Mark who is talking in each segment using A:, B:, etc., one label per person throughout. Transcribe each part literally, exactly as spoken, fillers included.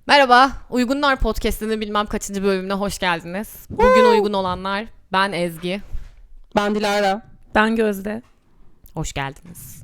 A: Merhaba, Uygunlar Podcast'inin bilmem kaçıncı bölümüne hoş geldiniz. Bugün uygun olanlar, ben Ezgi.
B: Ben Dilara.
C: Ben Gözde.
A: Hoş geldiniz.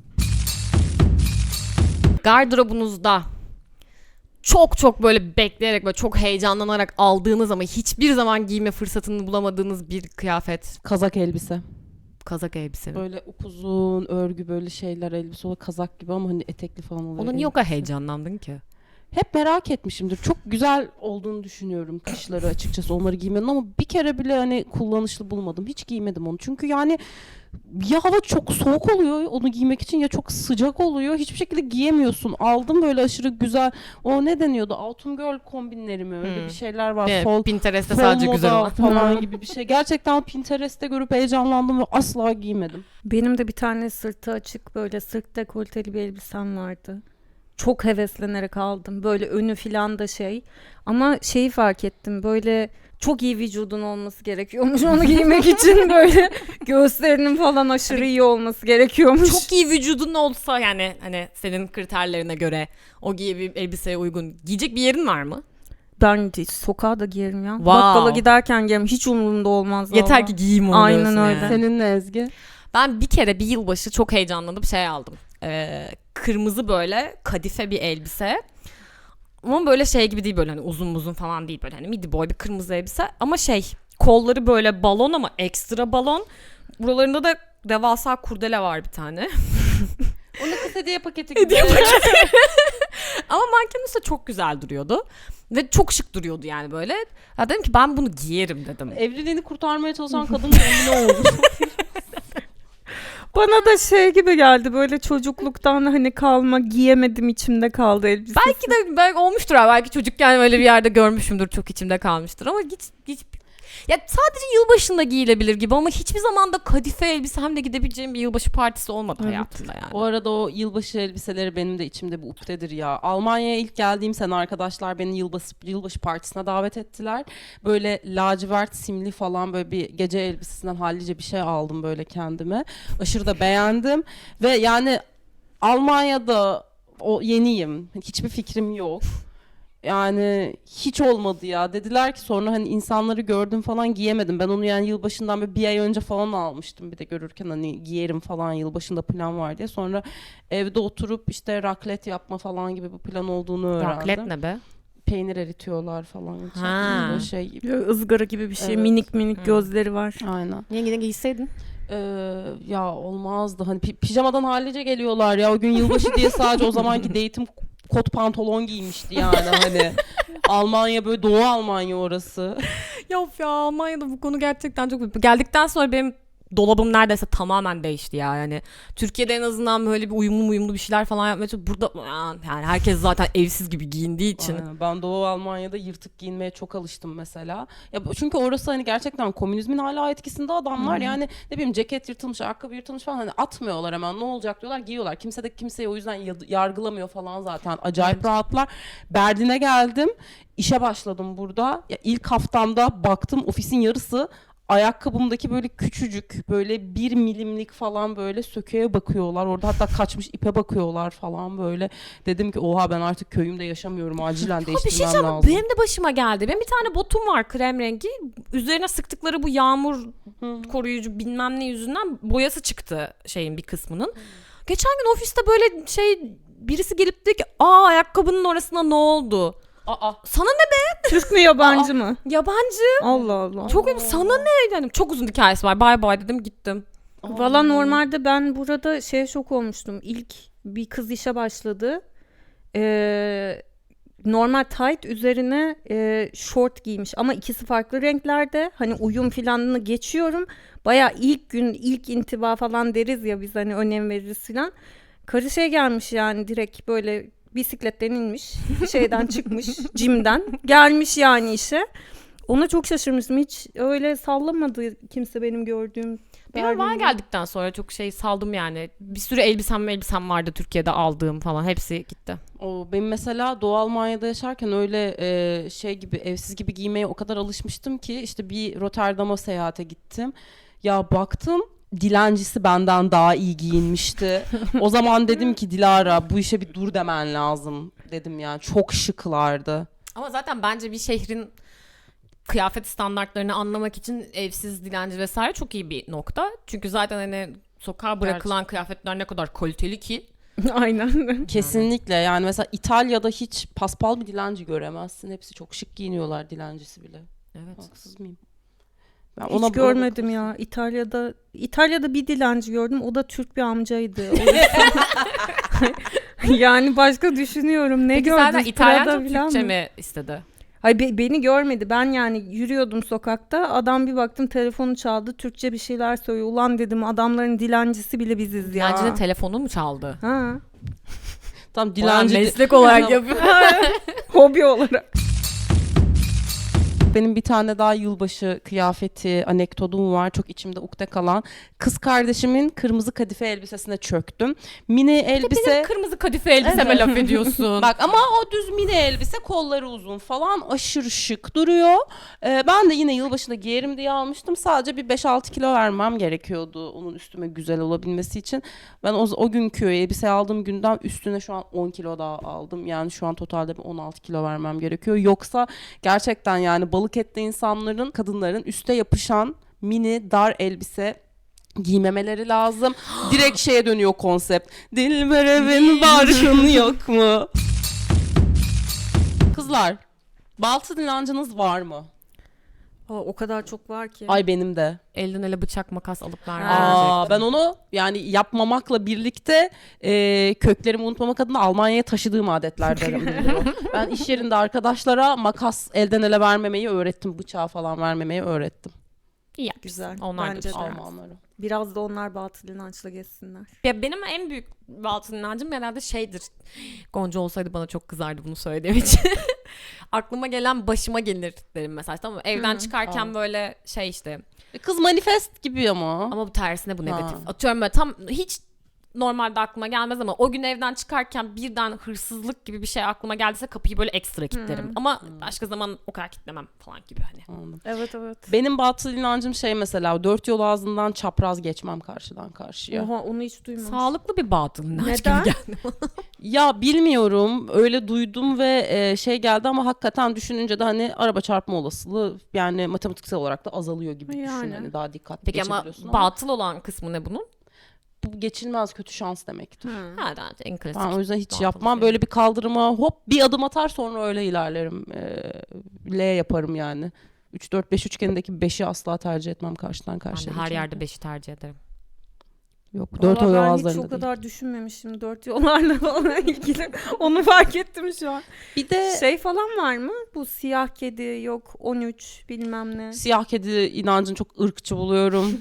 A: Gardırobunuzda çok çok böyle bekleyerek ve çok heyecanlanarak aldığınız ama hiçbir zaman giyme fırsatını bulamadığınız bir kıyafet.
B: Kazak elbise.
A: Kazak elbise mi?
B: Böyle upuzun örgü böyle şeyler elbise o kazak gibi ama hani etekli falan oluyor.
A: Ona niye o kadar heyecanlandın ki?
B: Hep merak etmişimdir. Çok güzel olduğunu düşünüyorum kışları açıkçası onları giymenin ama bir kere bile hani kullanışlı bulmadım. Hiç giymedim onu. Çünkü yani ya hava çok soğuk oluyor onu giymek için ya çok sıcak oluyor. Hiçbir şekilde giyemiyorsun. Aldım böyle aşırı güzel. O ne deniyordu? Autumn Girl kombinleri mi? Öyle
A: Hmm.
B: bir şeyler var.
A: Evet,
B: Fall,
A: Pinterest'te
B: fall
A: sadece güzel
B: moda
A: olan.
B: falan gibi bir şey. Gerçekten Pinterest'te görüp heyecanlandım ve asla giymedim.
C: Benim de bir tane sırtı açık böyle sırt dekolteli bir elbisem vardı. Çok heveslenerek aldım. Böyle önü filan da şey. Ama şeyi fark ettim. Böyle çok iyi vücudun olması gerekiyormuş onu giymek için. Böyle göğüslerinin falan aşırı iyi olması gerekiyormuş.
A: Çok iyi vücudun olsa yani hani senin kriterlerine göre o giy bir elbiseye uygun giyecek bir yerin var mı?
C: Ben hiç sokağa da giyerim ya.
A: Wow.
C: Bakkala giderken giyerim. Hiç umurumda olmaz.
A: Yeter
C: vallahi.
A: ki giyeyim onu
C: Aynen
A: diyorsun
C: öyle.
A: yani.
B: Seninle Ezgi.
A: Ben bir kere bir yılbaşı çok heyecanlanıp şey aldım. Ee, kırmızı böyle kadife bir elbise. Ama böyle şey gibi değil böyle hani uzun uzun falan değil böyle hani midi boy bir kırmızı elbise. Ama şey kolları böyle balon ama ekstra balon. Buralarında da devasa kurdele var bir tane.
B: Onu kız hediye paketi gibi.
A: Hediye paketi. Ama mankenin üstünde çok güzel duruyordu. Ve çok şık duruyordu yani böyle. Ya dedim ki ben bunu giyerim dedim.
B: Evliliğini kurtarmaya çalışan kadın ne oldu?
C: Bana da şey gibi geldi böyle çocukluktan hani kalma giyemedim içimde kaldı elbise.
A: Belki de belki olmuştur abi. Belki çocukken öyle bir yerde görmüşümdür. Çok içimde kalmıştır ama hiç hiç ya sadece yılbaşında giyilebilir gibi ama hiçbir zaman da kadife elbisemle gidebileceğim bir yılbaşı partisi olmadı
C: Evet.
A: hayatımda yani.
B: O arada o yılbaşı elbiseleri benim de içimde bir ukdedir ya. Almanya'ya ilk geldiğim sene arkadaşlar beni yılbaşı, yılbaşı partisine davet ettiler. Böyle lacivert simli falan böyle bir gece elbisesinden hallice bir şey aldım böyle kendime. Aşırı da beğendim ve yani Almanya'da o yeniyim. Hiçbir fikrim yok. Yani hiç olmadı ya. Dediler ki sonra hani insanları gördüm falan giyemedim. Ben onu yani yılbaşından bir, bir ay önce falan almıştım. Bir de görürken hani giyerim falan yılbaşında plan var diye. Sonra evde oturup işte raclette yapma falan gibi bir plan olduğunu öğrendim.
A: Raclette ne be?
B: Peynir eritiyorlar falan.
A: Ha.
B: Böyle şey.
C: Böyle ızgara gibi bir şey.
B: Evet.
C: Minik minik
A: Hı.
C: gözleri var.
B: Aynen.
A: Niye yine giyseydin?
B: Ee, ya olmazdı. Hani pi- pijamadan hallice geliyorlar ya. O gün yılbaşı diye sadece o zamanki date'im kot pantolon giymişti yani hani. Almanya böyle Doğu Almanya orası.
A: Ya of ya Almanya'da bu konu gerçekten çok... Geldikten sonra benim dolabım neredeyse tamamen değişti ya yani. Türkiye'de en azından böyle bir uyumlu uyumlu bir şeyler falan yapmaya çalışıyorum. Burada yani herkes zaten evsiz gibi giyindiği için.
B: Aynen. Ben Doğu Almanya'da yırtık giyinmeye çok alıştım mesela. Ya bu- çünkü orası hani gerçekten komünizmin hala etkisinde adamlar.
A: Hı.
B: Yani ne bileyim ceket yırtılmış, ayakkabı yırtılmış falan hani atmıyorlar hemen. Ne olacak diyorlar, giyiyorlar. Kimse de kimseyi o yüzden ya- yargılamıyor falan zaten. Acayip
A: Evet.
B: rahatlar. Berlin'e geldim. İşe başladım burada. Ya ilk haftamda baktım ofisin yarısı ayakkabımdaki böyle küçücük böyle bir milimlik falan böyle söküğe bakıyorlar. Orada hatta kaçmış ipe bakıyorlar falan böyle. Dedim ki oha ben artık köyümde yaşamıyorum. Acilen
A: Ya bir şey
B: değiştirmem
A: diyeceğim,
B: lazım.
A: benim de başıma geldi. Benim bir tane botum var krem rengi. Üzerine sıktıkları bu yağmur
B: Hı.
A: koruyucu bilmem ne yüzünden boyası çıktı şeyin bir kısmının. Geçen gün ofiste böyle şey birisi gelip dedi ki aa ayakkabının orasına ne oldu?
B: Aa.
A: Sana ne
C: Türk mü yabancı mı?
A: yabancı?
C: Allah Allah.
A: Çok ayıp. Sana ne? Yani çok uzun hikayesi var. Bye bye dedim gittim.
C: Valla normalde ben burada şeye şok olmuştum. İlk bir kız işe başladı. Ee, normal tight üzerine e, short giymiş ama ikisi farklı renklerde. Hani uyum filanını geçiyorum. Baya ilk gün ilk intiba falan deriz ya biz hani önem veririz filan. Karı şey gelmiş yani direkt böyle bisikletten inmiş. Şeyden çıkmış. Jim'den. Gelmiş yani işe. Ona çok şaşırmıştım. Hiç öyle sallamadı kimse benim gördüğüm.
A: Bir Almanya
C: Berlin'de.
A: geldikten sonra çok şey saldım yani. Bir sürü elbisem elbisem vardı Türkiye'de aldığım falan. Hepsi gitti.
B: O benim mesela Doğu Almanya'da yaşarken öyle e, şey gibi evsiz gibi giymeye o kadar alışmıştım ki işte bir Rotterdam'a seyahate gittim. Ya baktım dilencisi benden daha iyi giyinmişti. O zaman dedim ki Dilara bu işe bir dur demen lazım dedim yani çok şıklardı.
A: Ama zaten bence bir şehrin kıyafet standartlarını anlamak için evsiz, dilenci vesaire çok iyi bir nokta. Çünkü zaten hani sokağa bırakılan
B: Gerçekten.
A: kıyafetler ne kadar kaliteli ki.
C: Aynen.
B: Kesinlikle yani mesela İtalya'da hiç paspal bir dilenci göremezsin. Hepsi çok şık giyiniyorlar, dilencisi bile.
A: Evet.
B: Haksız mıyım? Ben
C: Hiç
B: ona
C: görmedim
B: ona
C: ya. İtalya'da İtalya'da bir dilenci gördüm. O da Türk bir amcaydı. O yüzden- yani başka düşünüyorum. Ne
A: Peki
C: gördün?
A: zaten İtalyanca
C: Prada
A: mı
C: falan
A: Türkçe
C: mı?
A: mi istedi?
C: Hayır be- beni görmedi. Ben yani yürüyordum sokakta. Adam bir baktım telefonu çaldı. Türkçe bir şeyler söylüyor. Ulan dedim adamların dilencisi bile biziz ya.
A: Dilencinin telefonu mu çaldı?
C: Ha.
B: tam
A: Dilenci
B: dilenci
A: meslek olarak yapıyor.
C: Hobi olarak.
B: Benim bir tane daha yılbaşı kıyafeti anekdotum var. Çok içimde ukde kalan. Kız kardeşimin kırmızı kadife elbisesine çöktüm. Mini elbise.
A: Benim kırmızı kadife elbiseme
B: Evet.
A: laf ediyorsun.
B: Bak ama o düz mini elbise, kolları uzun falan, aşırı şık duruyor. Ee, ben de yine yılbaşında giyerim diye almıştım. Sadece bir beş altı kilo vermem gerekiyordu onun üstüme güzel olabilmesi için. Ben o, o günkü elbise aldığım günden üstüne şu an on kilo daha aldım. Yani şu an totalde bir on altı kilo vermem gerekiyor. Yoksa gerçekten yani balık etli insanların, kadınların üste yapışan mini dar elbise giymemeleri lazım. Direkt şeye dönüyor konsept. Dilber evin barkın yok mu? Kızlar, baltı dilenciniz var mı?
C: Aa, o kadar çok var ki.
B: Ay benim de.
A: Elden ele bıçak makas alıp vermem.
B: Aa, ben onu yani yapmamakla birlikte e, köklerimi unutmamak adına Almanya'ya taşıdığım adetlerden biri. Ben iş yerinde arkadaşlara makas elden ele vermemeyi öğrettim. Bıçağı falan vermemeyi öğrettim.
A: İyi yapmışsın.
C: Güzel.
A: Onlar da
C: Bence
A: güzel.
C: de.
B: Almanlara.
C: Biraz da onlar batıl inançla geçsinler.
A: Ya benim en büyük batıl inancım herhalde şeydir. Gonca olsaydı bana çok kızardı bunu söylediğim için. Aklıma gelen başıma gelir derim mesela. Tamam mı? Evden
C: Hı.
A: çıkarken
B: Aa.
A: böyle şey işte.
B: E, Kız manifest gibi ama.
A: Ama bu tersine bu negatif.
B: Ha.
A: Atıyorum böyle tam hiç normalde aklıma gelmez ama o gün evden çıkarken birden hırsızlık gibi bir şey aklıma geldiyse kapıyı böyle ekstra kilitlerim. Ama başka zaman o kadar kilitlemem falan gibi hani.
B: Anladım.
C: Evet evet.
B: Benim batıl inancım şey mesela dört yol ağzından çapraz geçmem karşıdan karşıya.
C: Oha onu hiç duymamıştım.
A: Sağlıklı bir batıl inanç
C: Neden?
A: gibi geldi.
B: Ya bilmiyorum, öyle duydum ve e, şey geldi ama hakikaten düşününce de hani araba çarpma olasılığı yani matematiksel olarak da azalıyor gibi düşün.
C: Yani.
B: Hani daha dikkatli
A: Peki ama
B: geçebiliyorsun ama
A: batıl olan kısmı ne bunun?
B: bu geçilmez kötü şans demektir.
C: Hı.
A: Ha, daha en klasik.
B: Ben o yüzden hiç
A: batıl
B: yapmam.
A: şey.
B: Böyle bir kaldırıma hop bir adım atar sonra öyle ilerlerim. Ee, L yaparım yani. üç dört beş üçgenindeki beşi asla tercih etmem karşıdan
A: Ben de
B: karşıya.
A: her
B: geçerken.
A: yerde beşi tercih ederim.
B: Yok dört
C: Vallahi
B: o
C: ben hiç
B: ağızlarında
C: o
B: değil.
C: kadar düşünmemişim dört yollarla falan ilgili. Onu fark ettim şu an.
B: Bir de
C: Şey falan var mı? Bu siyah kedi yok on üç bilmem ne.
B: siyah kedi inancını çok ırkçı buluyorum.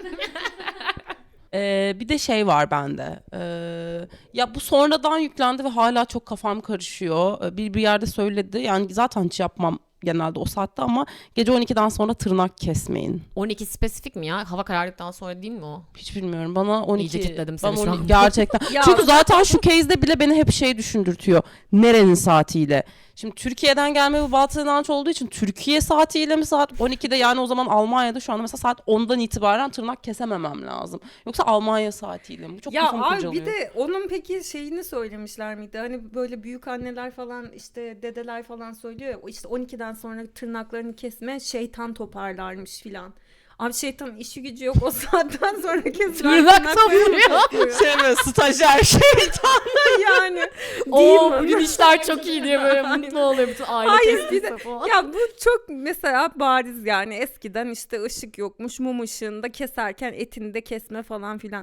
B: Ee, bir de şey var bende. Ee, ya bu sonradan yüklendi ve hala çok kafam karışıyor. Ee, Bir bir yerde söyledi. Yani zaten hiç yapmam genelde o saatte ama gece on ikiden sonra tırnak kesmeyin.
A: on iki spesifik mi ya? Hava karardıktan sonra değil mi o?
B: Hiç bilmiyorum. Bana on iki
A: İyice kitledim seni
B: bana
A: şu
B: on iki
A: an.
B: gerçekten.
C: Ya-
B: Çünkü zaten şu case'de bile beni hep şey düşündürtüyor. Nerenin saatiyle? Şimdi Türkiye'den gelme bu batıl inanç olduğu için Türkiye saatiyle mi saat on ikide yani o zaman Almanya'da şu anda mesela saat ondan itibaren tırnak kesememem lazım. Yoksa Almanya saatiyle mi? Bu çok
C: Ya
B: kafamı
C: abi
B: kurcalıyor.
C: bir de onun peki şeyini söylemişler miydi? Hani böyle büyük anneler falan işte dedeler falan söylüyor ya işte on ikiden sonra tırnaklarını kesme şeytan toparlarmış filan. Abi şeytanın işi gücü yok o saatten sonra kesilen
A: Tırnak
C: tırnaklarını
A: topluyor.
C: topluyor.
B: Şey mi? Stajyer şeytan.
C: Yani
A: Oo
C: değil mi?
A: bugün işler çok iyi diye böyle mutlu oluyor bütün aile
C: Hayır,
A: kestiyse
C: bir de-
A: falan.
C: Ya bu çok mesela bariz yani eskiden işte ışık yokmuş mum ışığında keserken etini de kesme falan filan.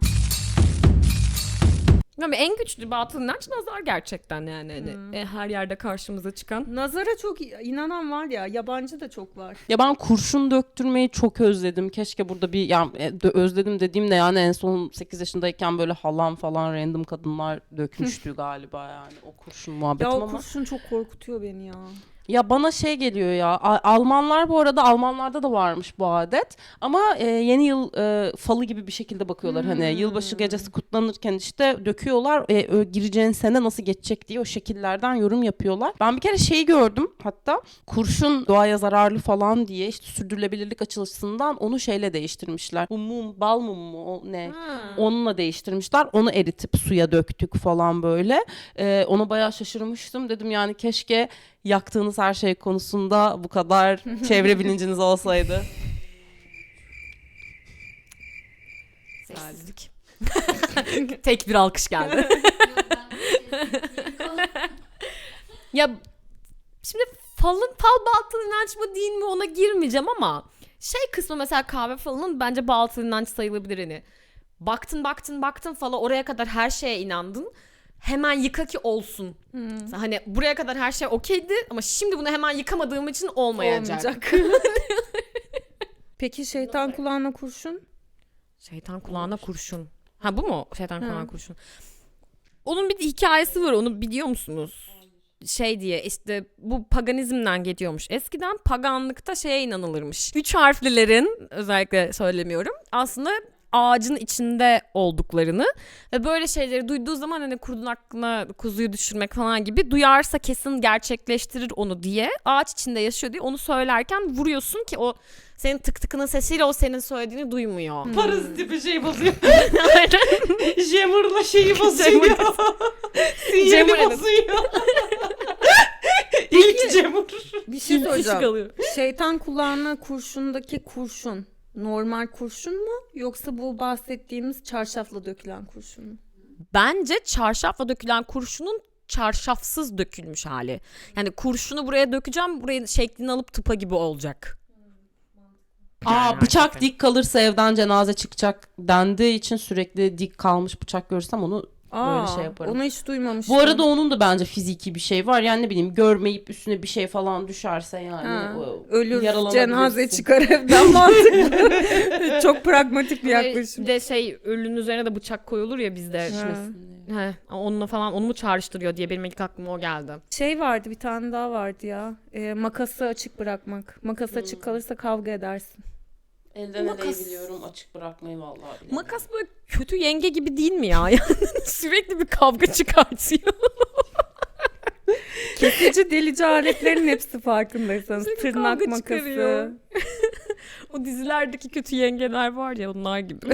A: Yani en güçlü batıl inanç nazar gerçekten yani. Hani, e, her yerde karşımıza çıkan.
C: Nazara çok inanan var ya yabancı da çok var.
B: Ya ben kurşun döktürmeyi çok özledim. Keşke burada bir ya e, dö- özledim dediğimde yani en son sekiz yaşındayken böyle halam falan random kadınlar dökmüştü galiba yani o kurşun muhabbetim
C: Ya o
B: ama.
C: kurşun çok korkutuyor beni ya.
B: Ya bana şey geliyor ya A- Almanlar bu arada Almanlarda da varmış bu adet ama e, yeni yıl e, falı gibi bir şekilde bakıyorlar hani
C: Hmm.
B: yılbaşı gecesi kutlanırken işte döküyorlar e, ö, gireceğin sene nasıl geçecek diye o şekillerden yorum yapıyorlar. Ben bir kere şeyi gördüm hatta kurşun doğaya zararlı falan diye işte sürdürülebilirlik açısından onu şeyle değiştirmişler. Bu mum bal mum mu o ne? Onunla değiştirmişler. Onu eritip suya döktük falan böyle. Ee, ona bayağı şaşırmıştım. Dedim yani keşke yaktığınız her şey konusunda bu kadar çevre bilinciniz olsaydı.
A: Sessizlik. Tek bir alkış geldi. Ya şimdi falın fal batıl inanç mı değil mi ona girmeyeceğim ama şey kısmı mesela kahve falının bence batıl inanç sayılabilir hani. Baktın baktın baktın fala oraya kadar her şeye inandın. Hemen yıka ki olsun.
C: Hmm.
A: Hani buraya kadar her şey okeydi ama şimdi bunu hemen yıkamadığım için olmayacak.
C: Olmayacak. Peki şeytan kulağına kurşun?
A: Şeytan kulağına kurşun. Ha bu mu? Şeytan
C: Ha.
A: kulağına kurşun. Onun bir hikayesi var, onu biliyor musunuz? Şey diye işte bu paganizmden geliyormuş. Eskiden paganlıkta şeye inanılırmış. Üç harflilerin özellikle söylemiyorum. Aslında ağacın içinde olduklarını ve böyle şeyleri duyduğu zaman hani kurdun aklına kuzuyu düşürmek falan gibi duyarsa kesin gerçekleştirir onu diye ağaç içinde yaşıyor diye onu söylerken vuruyorsun ki o senin tık tıkının sesiyle o senin söylediğini duymuyor.
B: Parazit bir şey bozuyor. Jammer'la şeyi bozuyor. Sinyali
A: Jammer,
B: bozuyor. İlk Jammer.
C: Bir şey soracağım.
A: kalıyor.
C: Şeytan kulağına kurşundaki kurşun normal kurşun mu yoksa bu bahsettiğimiz çarşafla dökülen kurşun mu?
A: Bence çarşafla dökülen kurşunun çarşafsız dökülmüş hali. Yani kurşunu buraya dökeceğim, buraya şeklini alıp tıpa gibi olacak.
B: Aa,
A: Yani
B: bıçak
A: hakikaten.
B: dik kalırsa evden cenaze çıkacak dendiği için sürekli dik kalmış bıçak görürsem onu böyle şey yaparım.
C: Onu hiç duymamıştım.
B: Bu arada onun da bence fiziki bir şey var. Yani ne bileyim görmeyip üstüne bir şey falan düşerse yani.
C: Ha,
B: o-
C: ölür
B: yaralanabilirsin.
C: cenaze çıkar evden mantıklı. Çok pragmatik bir yaklaşım.
A: Bir de şey ölünün üzerine de bıçak koyulur ya bizde.
B: Düşmesin diye.
A: He, onunla falan onu mu çağrıştırıyor diye benim ilk aklıma o geldi.
C: Şey vardı, bir tane daha vardı ya. Ee, makası açık bırakmak. Makas
B: Hmm.
C: açık kalırsa kavga edersin.
B: Elden
A: Makas-
B: eleyi biliyorum, açık bırakmayı vallahi bilemiyorum.
A: Makas böyle kötü yenge gibi değil mi ya? Yani sürekli bir kavga çıkartıyor.
C: Kesici delici aletlerin hepsi farkındaysanız.
A: Sürekli
C: Tırnak
A: kavga
C: makası.
A: çıkarıyor. O dizilerdeki kötü yengeler var ya onlar gibi.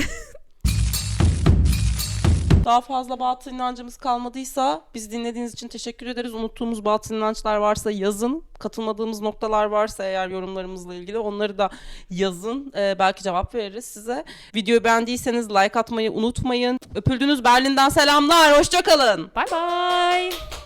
B: Daha fazla batıl inancımız kalmadıysa biz dinlediğiniz için teşekkür ederiz. Unuttuğumuz batıl inançlar varsa yazın. Katılmadığımız noktalar varsa eğer yorumlarımızla ilgili onları da yazın. Ee, belki cevap veririz size. Videoyu beğendiyseniz like atmayı unutmayın. Öpüldünüz, Berlin'den selamlar. Hoşça kalın.
A: Bye bye.